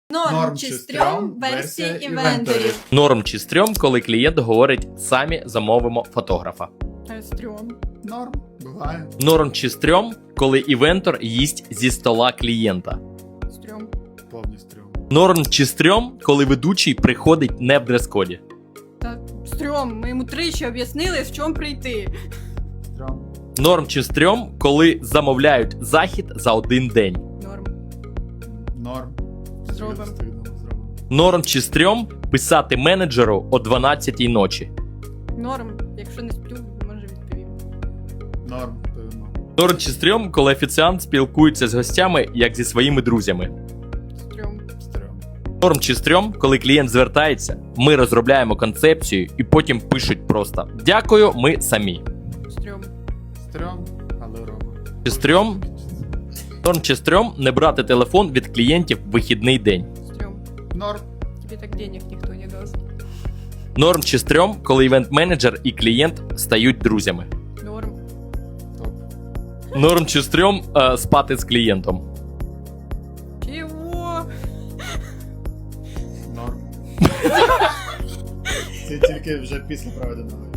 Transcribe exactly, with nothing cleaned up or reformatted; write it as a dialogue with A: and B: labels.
A: Норм чи стрьом версія івенторів.
B: Норм чи стрьом, коли клієнт говорить «самі замовимо фотографа».
A: Е, Стрьом.
C: Норм, буває.
B: Норм чи стрьом, коли івентор їсть зі стола клієнта.
A: Стрьом.
C: Повний стрьом.
B: Норм чи стрьом, коли ведучий приходить не в дрес-коді.
A: Та стрьом. Ми йому тричі об'яснили, в чому прийти.
C: Стрьом.
B: Норм чи стрьом, коли замовляють захід за один день.
A: Норм.
C: Норм.
A: Зробимо.
C: Встигнемо, зробимо.
B: Норм чи стрьом, писати менеджеру о дванадцятій ночі.
A: Норм. Якщо не сплю, може відповім.
C: Норм, певно.
B: Норм чи стрьом, коли офіціант спілкується з гостями, як зі своїми друзями.
A: Стрьом.
C: Стрьом.
B: Норм чи стрьом, коли клієнт звертається, ми розробляємо концепцію і потім пишуть просто «Дякую, ми самі».
A: Стрьом.
C: Стрьом, але робимо.
B: Чи стрьом? Норм чи стрьом, не брати телефон від клієнтів в вихідний день.
A: Стрьом.
C: Норм.
A: Тебе так денег ніхто не дасть.
B: Норм чи стрьом, коли івент-менеджер і клієнт стають друзями.
A: Норм.
C: Топ.
B: Норм чи стрьом, е, спати з клієнтом.
A: Чого?
C: Норм. Це тільки вже після проведеного